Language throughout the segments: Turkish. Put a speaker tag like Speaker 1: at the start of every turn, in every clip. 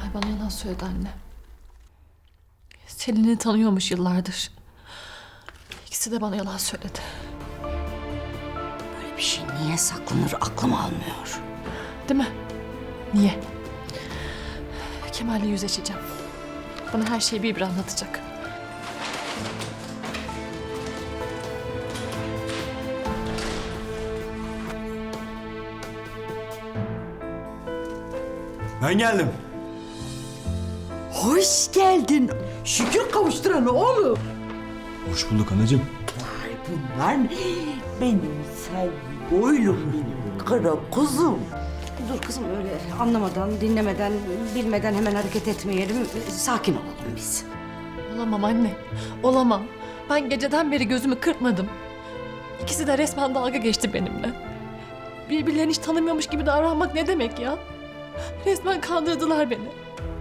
Speaker 1: Kemal bana yalan söyledi anne. Selin'i tanıyormuş yıllardır. İkisi de bana yalan söyledi.
Speaker 2: Böyle bir şey niye saklanır aklım almıyor.
Speaker 1: Değil mi? Niye? Kemal'le yüzleşeceğim. Bana her şeyi bir anlatacak.
Speaker 3: Ben geldim.
Speaker 2: Hoş geldin. Şükür kavuşturana oğlum.
Speaker 3: Hoş bulduk anacığım.
Speaker 2: Ay bunlar benim sevgi oylum, benim kara kuzum. Dur kızım öyle anlamadan, dinlemeden, bilmeden hemen hareket etmeyelim. Sakin olalım biz.
Speaker 1: Olamam anne. Olamam. Ben geceden beri gözümü kırpmadım. İkisi de resmen dalga geçti benimle. Birbirlerini hiç tanımıyormuş gibi davranmak ne demek ya? Resmen kandırdılar beni.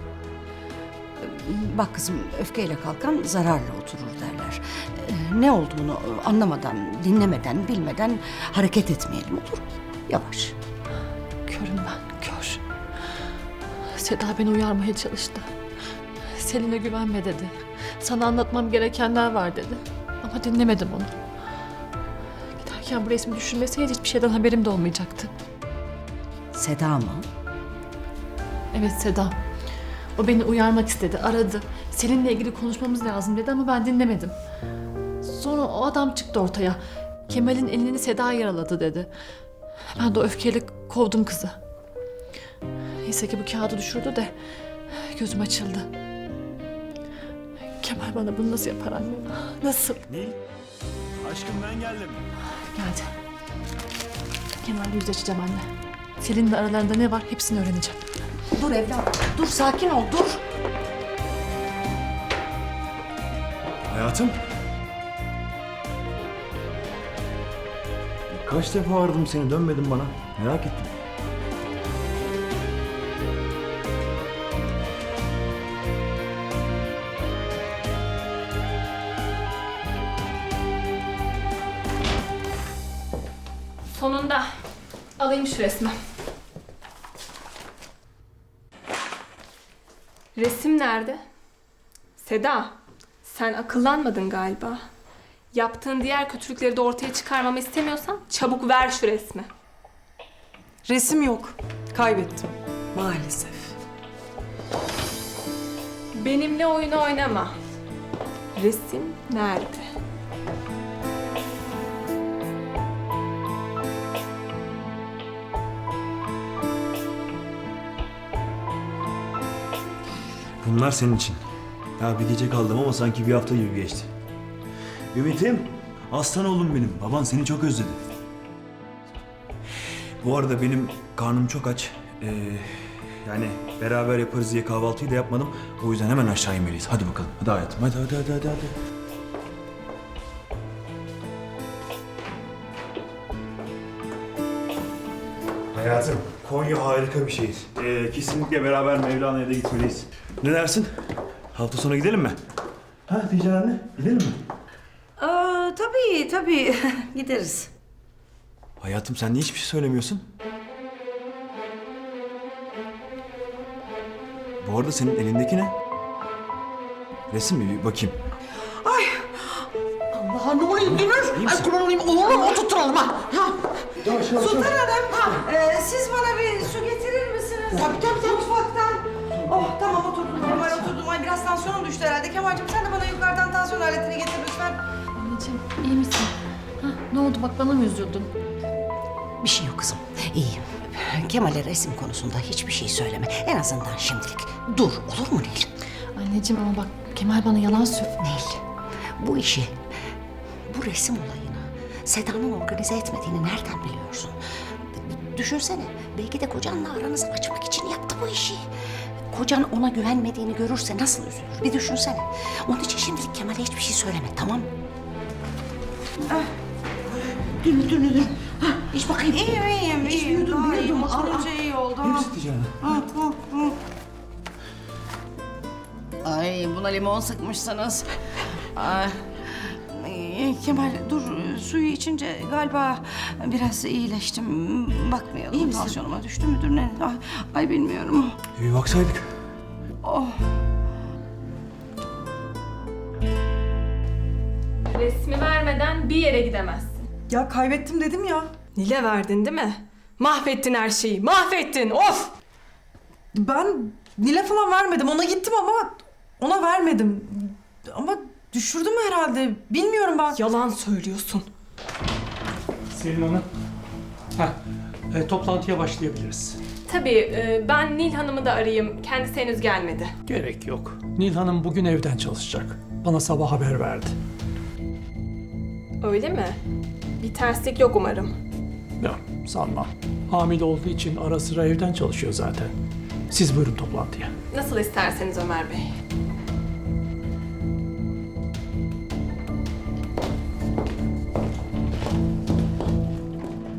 Speaker 2: Bak kızım öfkeyle kalkan zararla oturur derler. Ne olduğunu anlamadan, dinlemeden, bilmeden hareket etmeyelim olur mu? Yavaş.
Speaker 1: Körüm ben, kör. Seda beni uyarmaya çalıştı. Selin'e güvenme dedi. Sana anlatmam gerekenler var dedi. Ama dinlemedim onu. Giderken bu resmi düşünmeseydi hiçbir şeyden haberim de olmayacaktı.
Speaker 2: Seda mı?
Speaker 1: Evet Seda. O beni uyarmak istedi, aradı. Seninle ilgili konuşmamız lazım dedi ama ben dinlemedim. Sonra o adam çıktı ortaya. Kemal'in elini Seda yaraladı dedi. Ben de o öfkeyle kovdum kızı. Neyse ki bu kağıdı düşürdü de gözüm açıldı. Kemal bana bunu nasıl yapar anne? Nasıl?
Speaker 3: Nil, aşkım ben geldim.
Speaker 1: Geldi. Kemal'le yüzleşeceğim anne. Selin'le aralarında ne var hepsini öğreneceğim.
Speaker 2: Dur evladım, dur sakin ol, dur.
Speaker 3: Hayatım. Kaç defa aradım seni, dönmedin bana. Merak ettim.
Speaker 1: Sonunda alayım şu resmi.
Speaker 4: Resim nerede? Seda, sen akıllanmadın galiba. Yaptığın diğer kötülükleri de ortaya çıkarmamı istemiyorsan çabuk ver şu resmi.
Speaker 5: Resim yok. Kaybettim. Maalesef.
Speaker 4: Benimle oyun oynama. Resim nerede?
Speaker 3: Bunlar senin için. Ya bir gece kaldım ama sanki bir hafta gibi geçti. Ümit'im, aslan oğlum benim. Baban seni çok özledi. Bu arada benim karnım çok aç. Yani beraber yaparız diye kahvaltıyı da yapmadım. O yüzden hemen aşağı inmeliyiz. Hadi bakalım. Hadi hayatım. Hadi. Hayatım, Konya harika bir şehir. Kesinlikle beraber Mevlana'ya da gitmeliyiz. Ne dersin? Hafta sonu gidelim mi? Ha Tijan anne, gidelim mi?
Speaker 2: Tabii gideriz.
Speaker 3: Hayatım sen niye hiçbir şey söylemiyorsun? Bu arada senin elindeki ne? Resim mi? Bir bakayım.
Speaker 2: Allah ne oluyor Dünür?
Speaker 3: İyi misin?
Speaker 2: Ay kurban olayım oğlum oturtturalım ha.
Speaker 3: Yavaş.
Speaker 2: Sultan Hanım, siz bana bir su getirir misiniz? Tabii. Mutfaktan. Oh tamam oturdum normal oturdum. Ay biraz tansiyonum düştü herhalde. Kemal'cim sen de bana yukarıdan tansiyon aletini getir lütfen.
Speaker 1: Anneciğim iyi misin? Ne oldu bak bana mı üzüldün?
Speaker 2: Bir şey yok kızım, iyiyim. Kemal'e resim konusunda hiçbir şey söyleme. En azından şimdilik. Dur, olur mu Nil?
Speaker 1: Anneciğim ama bak Kemal bana yalan söyledi.
Speaker 2: Nil, bu işi, bu resim olayını Seda'nın organize etmediğini nereden biliyorsun? Düşünsene, belki de kocanla aranızı açmak için yaptı bu işi. Kocan ona güvenmediğini görürse nasıl üzülür? Bir düşünsene. Onun için şimdilik Kemal'e hiçbir şey söyleme, tamam mı? Dün. İç bakayım.
Speaker 6: İyiyim.
Speaker 2: Biliyordum.
Speaker 6: İyi oldu.
Speaker 3: İyi misin Tijan anne?
Speaker 6: Ay buna limon sıkmışsınız. Ay. Kemal dur suyu içince galiba biraz iyileştim. Bakmayalım.
Speaker 2: İyi misin?
Speaker 6: Tansiyonuma düştü müdür ne? Ay bilmiyorum.
Speaker 3: Bir baksaydık.
Speaker 4: Resmi vermeden bir yere gidemezsin.
Speaker 5: Ya kaybettim dedim ya.
Speaker 4: Nil'e verdin değil mi? Mahvettin her şeyi. Mahvettin. Of!
Speaker 5: Ben Nil'e falan vermedim. Ona gittim ama ona vermedim. Ama düşürdüm herhalde. Bilmiyorum ben.
Speaker 4: Yalan söylüyorsun.
Speaker 7: Selin Hanım. Toplantıya başlayabiliriz.
Speaker 4: Tabii ben Nil Hanım'ı da arayayım. Kendisi henüz gelmedi.
Speaker 7: Gerek yok. Nil Hanım bugün evden çalışacak. Bana sabah haber verdi.
Speaker 4: Öyle mi? Bir terslik yok umarım.
Speaker 7: Yok, sanmam. Hamile olduğu için ara sıra evden çalışıyor zaten. Siz buyurun toplantıya.
Speaker 4: Nasıl isterseniz Ömer Bey.